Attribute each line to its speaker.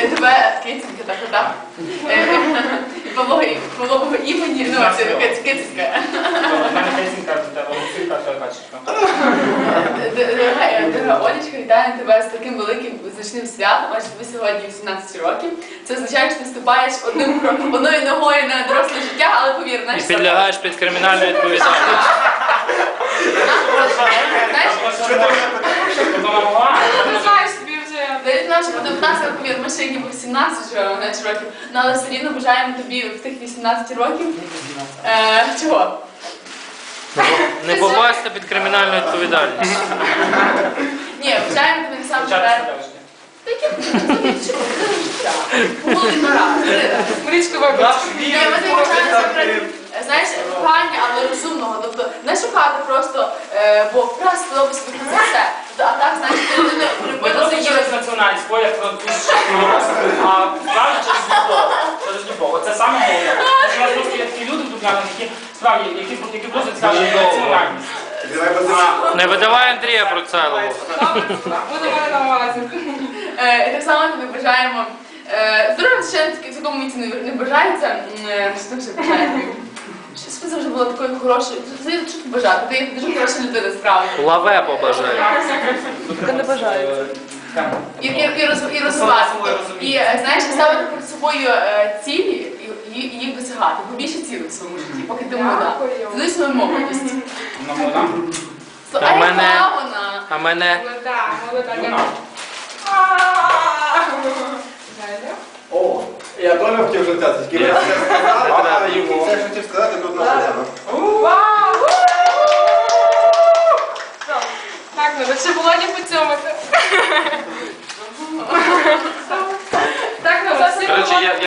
Speaker 1: тебе кицька, так. Павлового імені, ну, це кицька.
Speaker 2: У мене кицька, до тебе Олексійка, то качечка.
Speaker 1: Дорога Олечка, вітаю тебе з таким великим значним святом, адже тобі сьогодні 18 років. Це означає, що ти вступаєш одною ногою на доросле життя, але повір,
Speaker 3: І підлягаєш під кримінальну відповідальність.
Speaker 4: Не знаєш собі вже.
Speaker 1: Навіть наші по 19, повір, ми ще ніби 17 років, але все рівно бажаємо тобі в тих 18 років. Чого?
Speaker 3: Не попасти під кримінальну відповідальність.
Speaker 1: Ні, бажаємо тобі насамперед.
Speaker 4: Марічко, вибач.
Speaker 1: Знаєш, кохання, але розумного, тобто не шукати просто, бо вкрас сподобався собі це все. А так, знаєш, ти людину полюбила за її.
Speaker 2: Через національність, бо як французька, а справді через любов. Через любов. Оце саме головне. У нас просто є такі люди в Дубнянах, які справді, які просто цікавлять національність.
Speaker 3: Не видавай Андрія Процелову.
Speaker 4: Буде мене на увазі.
Speaker 1: І так само тобі бажаємо. Здоров'я ще в такому віці не бажається. Що ще бажаємо? Щось ви завжди була такою хорошою. Що тут бажати? Ти дуже хороша людина, справді.
Speaker 3: Лаве побажаю.
Speaker 4: Та не бажаю.
Speaker 1: І розвивати. І, знаєш, ставити перед собою цілі і їх досягати. Побільше цілей в своєму житті, поки ти молода. Знай свою молодість. А яка вона?
Speaker 3: А мене?
Speaker 4: Молода.
Speaker 5: О, я теж хотів вже це, тільки я все сказав, а йому. Все, що хотів сказати, тут написано.
Speaker 4: Вау! Так, треба ще Володі поцьомати. Так, ну,
Speaker 3: Коротше,